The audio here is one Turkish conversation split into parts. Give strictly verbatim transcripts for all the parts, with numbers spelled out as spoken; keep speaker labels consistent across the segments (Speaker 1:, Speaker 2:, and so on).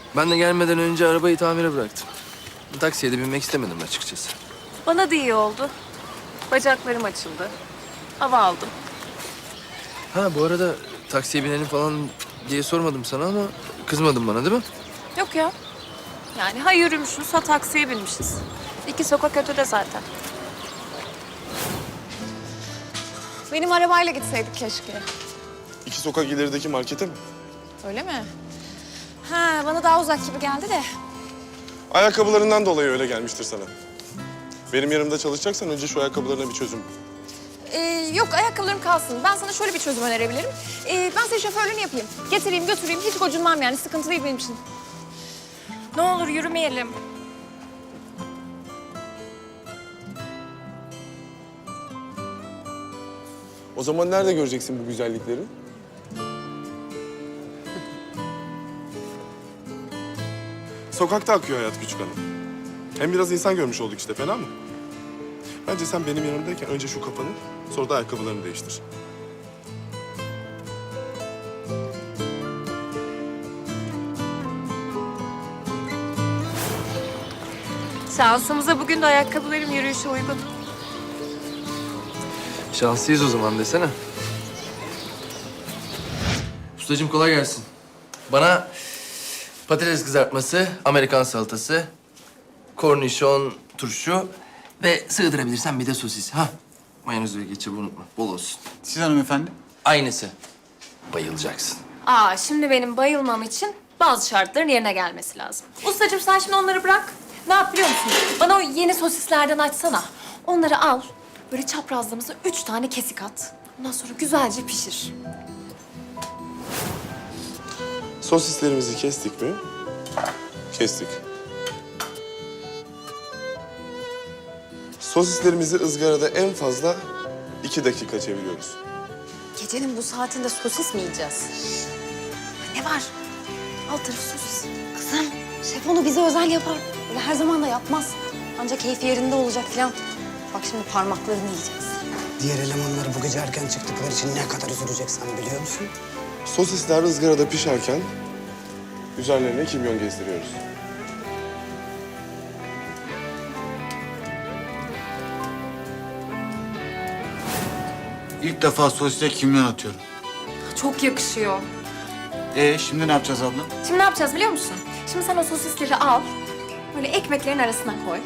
Speaker 1: Ben de gelmeden önce arabayı tamire bıraktım. Taksiye de binmek istemedim açıkçası.
Speaker 2: Bana da iyi oldu. Bacaklarım açıldı. Hava aldım.
Speaker 1: Ha bu arada taksiye binelim falan diye sormadım sana ama kızmadın bana değil mi?
Speaker 2: Yok ya. Yani ha yürümüşüz ha taksiye binmişiz. İki sokak ötede zaten. Benim arabayla gitseydik keşke.
Speaker 3: İki sokak ilerideki markete mi?
Speaker 2: Öyle mi? Ha, bana daha uzak gibi geldi de.
Speaker 3: Ayakkabılarından dolayı öyle gelmiştir sana. Benim yanımda çalışacaksan önce şu ayakkabılarına bir çözüm bul.
Speaker 2: Ee, yok, ayakkabılarım kalsın. Ben sana şöyle bir çözüm önerebilirim. Ee, ben senin şoförlüğünü yapayım. Getireyim, götüreyim. Hiç gocunmam yani. Sıkıntı değil benim için. Ne olur yürümeyelim.
Speaker 3: O zaman nerede göreceksin bu güzellikleri? Sokakta akıyor hayat küçük hanım. Hem biraz insan görmüş olduk işte, fena mı? Bence sen benim yanımdayken önce şu kafanı, sonra da ayakkabılarını değiştir.
Speaker 2: Şansımıza bugün de ayakkabılarım yürüyüşe uygun.
Speaker 1: Şanslıyız o zaman desene. Ustacığım kolay gelsin. Bana patates kızartması, Amerikan salatası, kornişon, turşu ve sığdırabilirsen bir de sosis. Ha, mayonez ve ketçabı unutma. Bol olsun.
Speaker 4: Siz hanımefendi?
Speaker 1: Aynısı. Bayılacaksın.
Speaker 2: Aa, şimdi benim bayılmam için bazı şartların yerine gelmesi lazım. Ustacığım sen şimdi onları bırak. Ne yap biliyor musun? Bana o yeni sosislerden açsana. Onları al. Böyle çaprazlamasına üç tane kesik at. Ondan sonra güzelce pişir.
Speaker 3: Sosislerimizi kestik mi? Kestik. Sosislerimizi ızgarada en fazla iki dakika çeviriyoruz.
Speaker 2: Gecenin bu saatinde sosis mi yiyeceğiz? Ne var? Alt tarafı sosis.
Speaker 5: Kızım, şef onu bize özel yapar. Öyle her zaman da yapmaz. Ancak keyfi yerinde olacak falan. Bak şimdi parmaklarını yiyeceğiz.
Speaker 6: Diğer elemanlar bu gece erken çıktıkları için ne kadar üzülecek sen biliyor musun?
Speaker 3: Sosisler ızgarada pişerken üzerlerine kimyon gezdiriyoruz.
Speaker 4: İlk defa sosise kimyon atıyorum.
Speaker 2: Çok yakışıyor.
Speaker 4: Ee şimdi ne yapacağız abla?
Speaker 2: Şimdi ne yapacağız biliyor musun? Şimdi sen o sosisleri al. Böyle ekmeklerin arasına koy.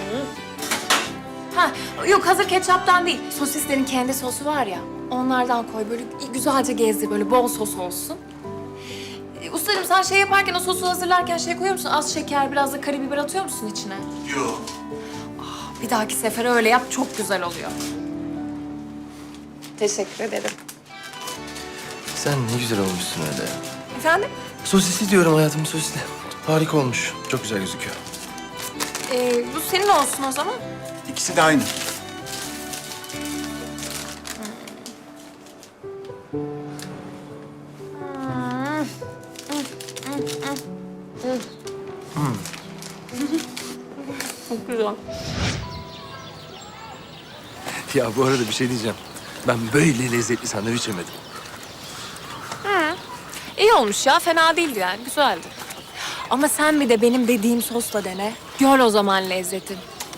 Speaker 2: Ha, yok hazır ketçaptan değil. Sosislerin kendi sosu var ya. Onlardan koy. Böyle güzelce gezdir. Böyle bol sos olsun. Ee, ustacığım sen şey yaparken, o sosu hazırlarken şey koyuyor musun? Az şeker, biraz da karabiber atıyor musun içine?
Speaker 4: Yok.
Speaker 2: Bir dahaki sefere öyle yap. Çok güzel oluyor. Teşekkür ederim.
Speaker 1: Sen ne güzel olmuşsun öyle ya.
Speaker 2: Efendim?
Speaker 1: Sosisli diyorum hayatım, sosisli. Harika olmuş. Çok güzel gözüküyor.
Speaker 2: Ee, bu senin olsun o zaman.
Speaker 4: İkisi de aynı.
Speaker 2: Çok güzel.
Speaker 1: Ya bu arada bir şey diyeceğim. Ben böyle lezzetli sandviç yemedim.
Speaker 2: İyi olmuş ya. Fena değildi yani. Güzeldi. Ama sen bir de benim dediğim sosla dene. Gör o zaman lezzetin.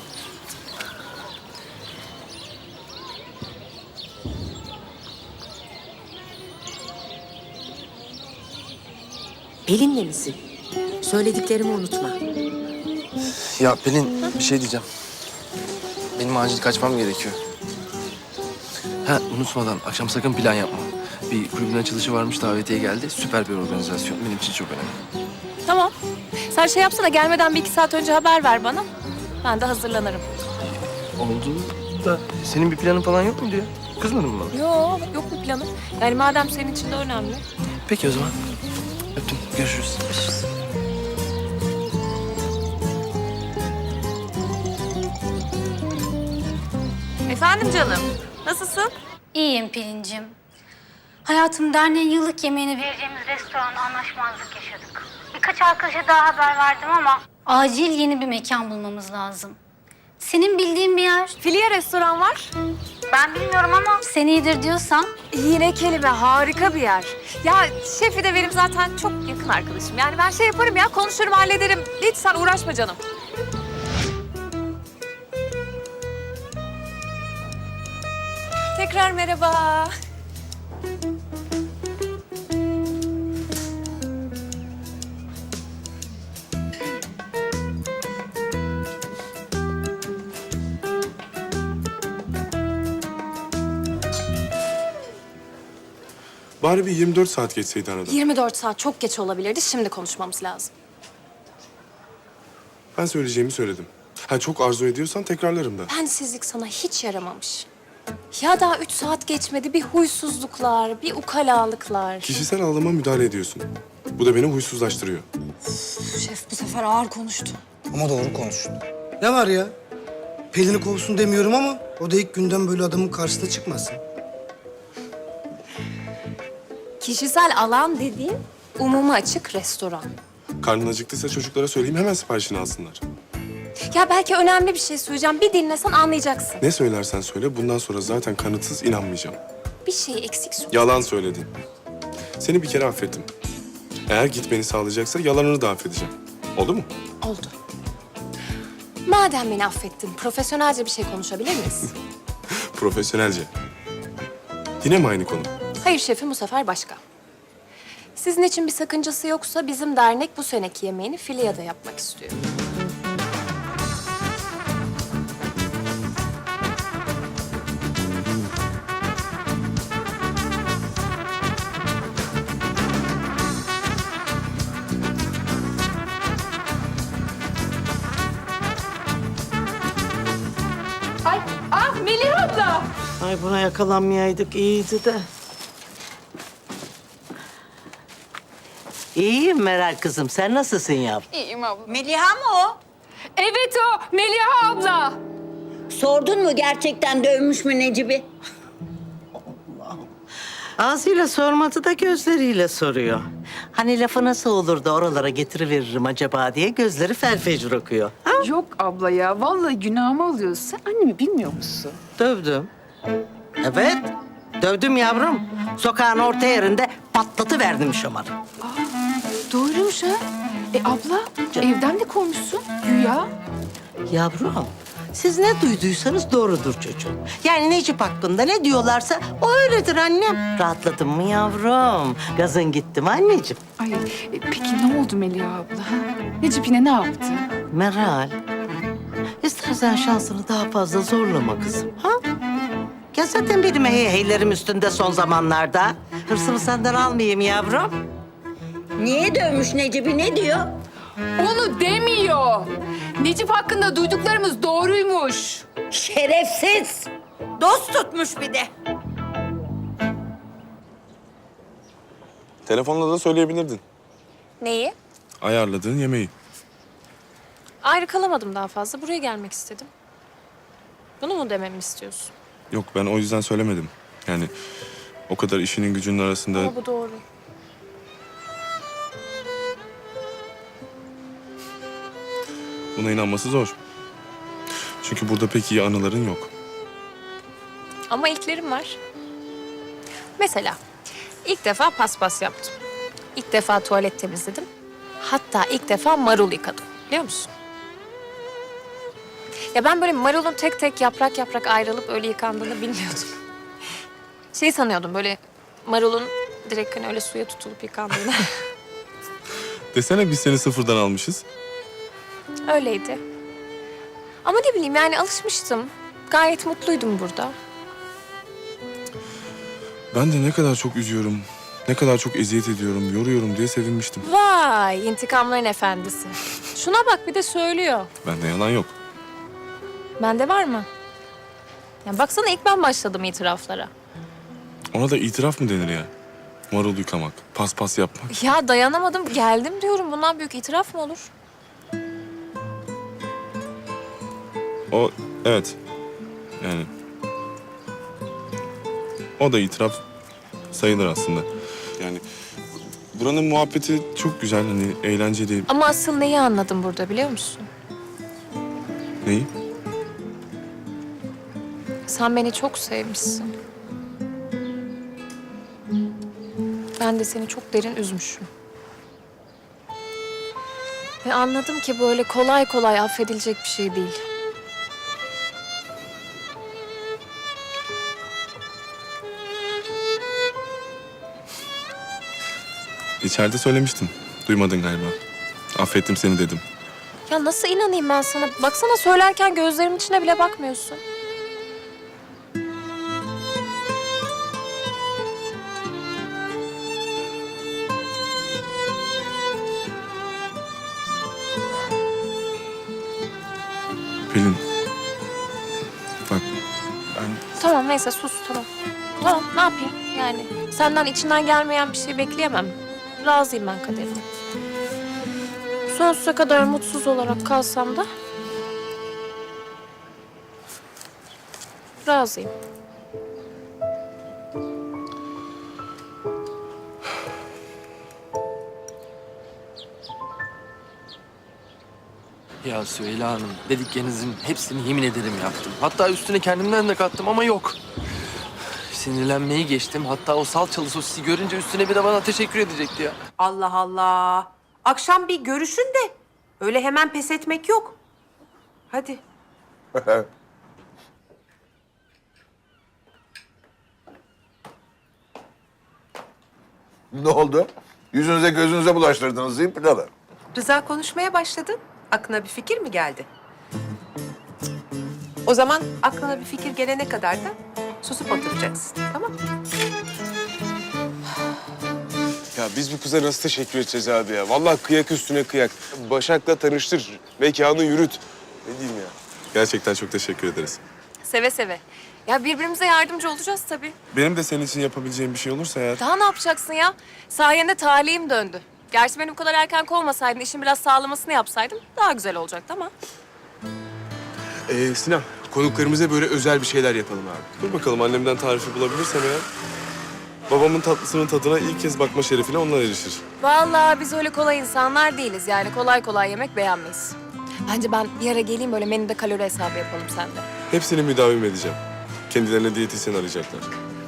Speaker 7: Pelin'le misin? Söylediklerimi unutma.
Speaker 1: Ya Pelin bir şey diyeceğim. Benim acil kaçmam gerekiyor. Ha unutmadan akşam sakın plan yapma. Bir kulübün açılışı varmış, davetiye geldi. Süper bir organizasyon. Benim için çok önemli.
Speaker 2: Tamam. Sen şey yapsana, gelmeden bir iki saat önce haber ver bana. Ben de hazırlanırım.
Speaker 1: Oldu da senin bir planın falan yok muydu ya? Kızmadın mı bana?
Speaker 2: Yok, yok mu planın? Yani madem senin için de önemli.
Speaker 1: Peki o zaman. Öptüm. Görüşürüz. Görüşürüz.
Speaker 2: Efendim canım, nasılsın?
Speaker 5: İyiyim Pelin'cim. Hayatım, derneğin yıllık yemeğini vereceğimiz restoranda anlaşmazlık yaşadık. Birkaç arkadaşa daha haber verdim ama acil yeni bir mekan bulmamız lazım.
Speaker 8: Senin bildiğin bir yer.
Speaker 2: Filya restoran var.
Speaker 8: Ben bilmiyorum ama sen iyidir diyorsan.
Speaker 2: Yine kelime, harika bir yer. Ya şefi de benim zaten çok yakın arkadaşım. Yani ben şey yaparım ya, konuşurum, hallederim. Hiç sen uğraşma canım. Tekrar merhaba.
Speaker 3: Bari bir yirmi dört saat geçseydi arada.
Speaker 2: yirmi dört saat çok geç olabilirdi. Şimdi konuşmamız lazım.
Speaker 3: Ben söyleyeceğimi söyledim. Ha çok arzu ediyorsan tekrarlarım da.
Speaker 2: Bensizlik sana hiç yaramamış. Ya daha üç saat geçmedi. Bir huysuzluklar, bir ukalalıklar.
Speaker 3: Kişisel alanıma müdahale ediyorsun. Bu da beni huysuzlaştırıyor.
Speaker 5: Şef bu sefer ağır konuştu.
Speaker 6: Ama doğru konuştu. Ne var ya? Pelin'i kovsun demiyorum ama o da ilk günden böyle adamın karşısına çıkmasın.
Speaker 2: Kişisel alan dediğin umuma açık restoran.
Speaker 3: Karnın acıktıysa çocuklara söyleyeyim hemen siparişini alsınlar.
Speaker 2: Ya belki önemli bir şey söyleyeceğim. Bir dinlesen anlayacaksın.
Speaker 3: Ne söylersen söyle bundan sonra zaten kanıtsız inanmayacağım.
Speaker 2: Bir şey eksik söyle.
Speaker 3: Yalan söyledin. Seni bir kere affettim. Eğer gitmeni sağlayacaksa yalanını da affedeceğim. Oldu mu?
Speaker 2: Oldu. Madem beni affettin, profesyonelce bir şey konuşabilir miyiz?
Speaker 3: Profesyonelce. Yine mi aynı konu?
Speaker 2: Hayır şefim, bu sefer başka. Sizin için bir sakıncası yoksa bizim dernek bu seneki yemeğini Filya'da yapmak istiyor.
Speaker 9: Ay, ah Melih abla.
Speaker 10: Ay buna yakalanmayaydık iyiydi de. İyiyim Meral kızım. Sen nasılsın yavrum?
Speaker 9: İyiyim abla.
Speaker 7: Meliha mı o?
Speaker 9: Evet o, Melih abla.
Speaker 7: Sordun mu gerçekten dövmüş mü Necip'i?
Speaker 10: Ağzıyla sormadı da gözleriyle soruyor. Hani lafı nasıl olur da oralara getiriveririm acaba diye gözleri felfecir okuyor. Ha?
Speaker 9: Yok abla ya, vallahi günahımı alıyorsun. Sen annemi bilmiyor musun?
Speaker 10: Dövdüm. Evet. Dövdüm yavrum. Sokağın orta yerinde patlatıverdim şomarı.
Speaker 9: Doğruymuş ha. E abla, evden de kovmuşsun güya.
Speaker 10: Yavrum, siz ne duyduysanız doğrudur çocuğum. Yani Necip hakkında ne diyorlarsa o öyledir annem. Rahatladın mı yavrum? Gazın gitti mi anneciğim?
Speaker 9: Ay, e, peki ne oldu Melih abla? Ha? Necip yine ne yaptı?
Speaker 10: Meral, istersen şansını daha fazla zorlama kızım. Ha? Ya zaten benim heyheylerim üstünde son zamanlarda. Hırsımı senden almayayım yavrum.
Speaker 7: Niye dövmüş Necip'i ne diyor?
Speaker 9: Onu demiyor. Necip hakkında duyduklarımız doğruymuş.
Speaker 7: Şerefsiz. Dost tutmuş bir de.
Speaker 3: Telefonla da söyleyebilirdin.
Speaker 2: Neyi?
Speaker 3: Ayarladığın yemeği.
Speaker 2: Ayrı kalamadım daha fazla. Buraya gelmek istedim. Bunu mu dememi istiyorsun?
Speaker 3: Yok ben o yüzden söylemedim. Yani o kadar işinin gücünün arasında...
Speaker 2: Ama bu doğru.
Speaker 3: Buna inanması zor. Çünkü burada pek iyi anıların yok.
Speaker 2: Ama ilklerim var. Mesela ilk defa paspas yaptım. İlk defa tuvalet temizledim. Hatta ilk defa marul yıkadım. Biliyor musun? Ya ben böyle marulun tek tek yaprak yaprak ayrılıp öyle yıkandığını bilmiyordum. Şey sanıyordum böyle marulun direkt hani öyle suya tutulup yıkandığını.
Speaker 3: Desene biz seni sıfırdan almışız.
Speaker 2: Öyleydi. Ama ne bileyim yani alışmıştım. Gayet mutluydum burada.
Speaker 3: Ben de ne kadar çok üzüyorum, ne kadar çok eziyet ediyorum, yoruyorum diye sevinmiştim.
Speaker 2: Vay intikamların efendisi. Şuna bak bir de söylüyor.
Speaker 3: Bende yalan yok.
Speaker 2: Bende var mı? Ya baksana ilk ben başladım itiraflara.
Speaker 3: Ona da itiraf mı denir ya? Marul yıkamak, paspas yapmak.
Speaker 2: Ya dayanamadım geldim diyorum. Bundan büyük itiraf mı olur?
Speaker 3: O, evet. Yani... O da itiraf sayılır aslında. Yani buranın muhabbeti çok güzel, hani eğlenceli.
Speaker 2: Ama asıl neyi anladım burada biliyor musun?
Speaker 3: Neyi?
Speaker 2: Sen beni çok sevmişsin. Ben de seni çok derin üzmüşüm. Ve anladım ki böyle kolay kolay affedilecek bir şey değil.
Speaker 3: İçeride söylemiştim. Duymadın galiba. Affettim seni dedim.
Speaker 2: Ya nasıl inanayım ben sana? Baksana söylerken gözlerimin içine bile bakmıyorsun.
Speaker 3: Pelin. Bak ben...
Speaker 2: Tamam neyse sus tamam. Tamam ne yapayım yani? Senden içinden gelmeyen bir şey bekleyemem. Razıyım ben kaderime. Sonsuza kadar mutsuz olarak kalsam da razıyım.
Speaker 1: Ya Süheyla Hanım, dediklerinizin hepsini yemin ederim yaptım. Hatta üstüne kendimden de kattım ama yok. Sinirlenmeyi geçtim. Hatta o salçalı sosisi görünce üstüne bir de bana teşekkür edecekti ya.
Speaker 11: Allah Allah. Akşam bir görüşün de öyle hemen pes etmek yok. Hadi.
Speaker 12: Ne oldu? Yüzünüze gözünüze bulaştırdınız değil mi pilavı?
Speaker 11: Rıza konuşmaya başladı. Aklına bir fikir mi geldi? O zaman aklına bir fikir gelene kadar da susup oturacaksın. Tamam mı?
Speaker 3: Ya biz bu kıza nasıl teşekkür edeceğiz abi ya? Vallahi kıyak üstüne kıyak. Başak'la tanıştır, mekanı yürüt. Ne diyeyim ya? Gerçekten çok teşekkür ederiz.
Speaker 2: Seve seve. Ya birbirimize yardımcı olacağız tabii.
Speaker 3: Benim de senin için yapabileceğim bir şey olursa eğer...
Speaker 2: Daha ne yapacaksın ya? Sayende talihim döndü. Gerçi beni bu kadar erken kovmasaydın, işin biraz sağlamasını yapsaydım daha güzel olacaktı ama.
Speaker 3: Ee, Sinan, konuklarımıza böyle özel bir şeyler yapalım abi. Dur bakalım annemden tarifi bulabilirsem eğer... Babamın tatlısının tadına ilk kez bakma şerefine onlar erişir.
Speaker 2: Vallahi biz öyle kolay insanlar değiliz yani. Kolay kolay yemek beğenmeyiz. Bence ben bir ara geleyim böyle menüde kalori hesabı yapalım seninle.
Speaker 3: Hepsini müdavim edeceğim. Kendilerine diyetisyen arayacaklar.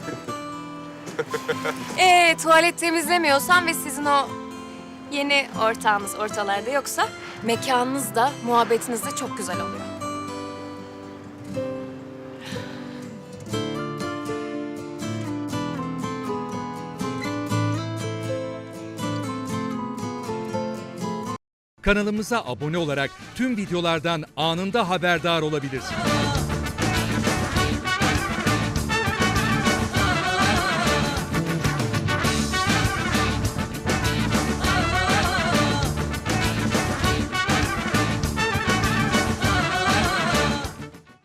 Speaker 2: Ee, tuvalet temizlemiyorsan ve sizin o yeni ortağınız ortalarda yoksa mekanınız da muhabbetiniz de çok güzel oluyor.
Speaker 13: Kanalımıza abone olarak tüm videolardan anında haberdar olabilirsiniz.